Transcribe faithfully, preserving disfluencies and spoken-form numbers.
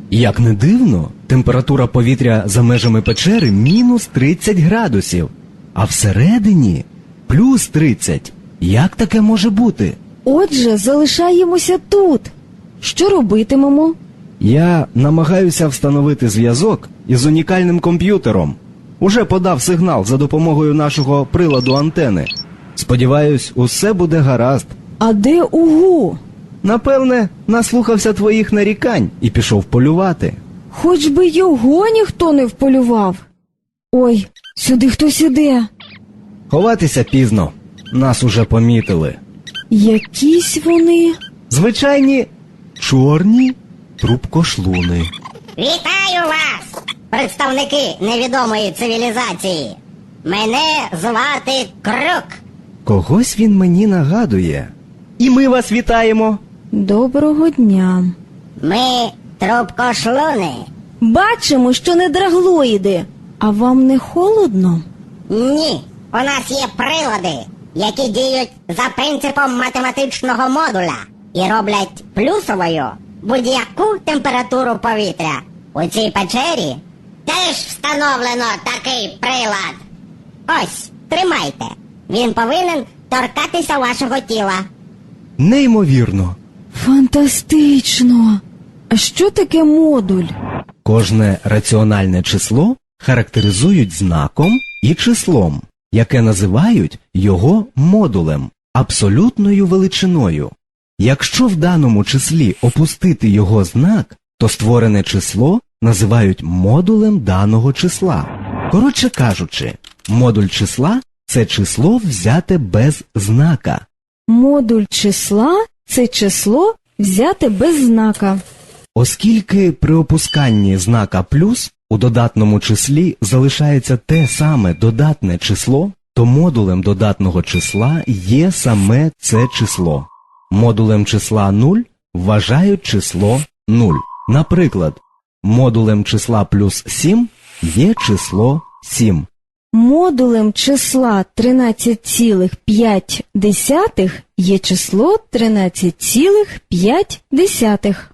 Як не дивно, температура повітря за межами печери мінус тридцять градусів, а всередині плюс тридцять. Як таке може бути? Отже, залишаємося тут. Що робитимемо? Я намагаюся встановити зв'язок із унікальним комп'ютером. Уже подав сигнал за допомогою нашого приладу антени. Сподіваюсь, усе буде гаразд. А де Угу? Напевне, наслухався твоїх нарікань і пішов полювати. Хоч би його ніхто не вполював. Ой, сюди хтось іде. Ховатися пізно. Нас уже помітили. Якісь вони... Звичайні чорні трубкошлуни. Вітаю вас, представники невідомої цивілізації. Мене звати Крук. Когось він мені нагадує. І ми вас вітаємо. Доброго дня. Ми трубкошлуни. Бачимо, що не драглоїди. А вам не холодно? Ні, у нас є прилади, які діють за принципом математичного модуля і роблять плюсовою будь-яку температуру повітря. У цій печері теж встановлено такий прилад. Ось, тримайте. Він повинен торкатися вашого тіла. Неймовірно. Фантастично! А що таке модуль? Кожне раціональне число характеризують знаком і числом, яке називають його модулем, абсолютною величиною. Якщо в даному числі опустити його знак, то створене число називають модулем даного числа. Коротше кажучи, модуль числа – це число взяте без знака. Модуль числа – це число взяте без знака. Оскільки при опусканні знака плюс у додатному числі залишається те саме додатне число, то модулем додатного числа є саме це число. Модулем числа нуль вважають число нуль. Наприклад, модулем числа плюс сім є число сім. Модулем числа тринадцять цілих п'ять десятих є число тринадцять цілих п'ять десятих.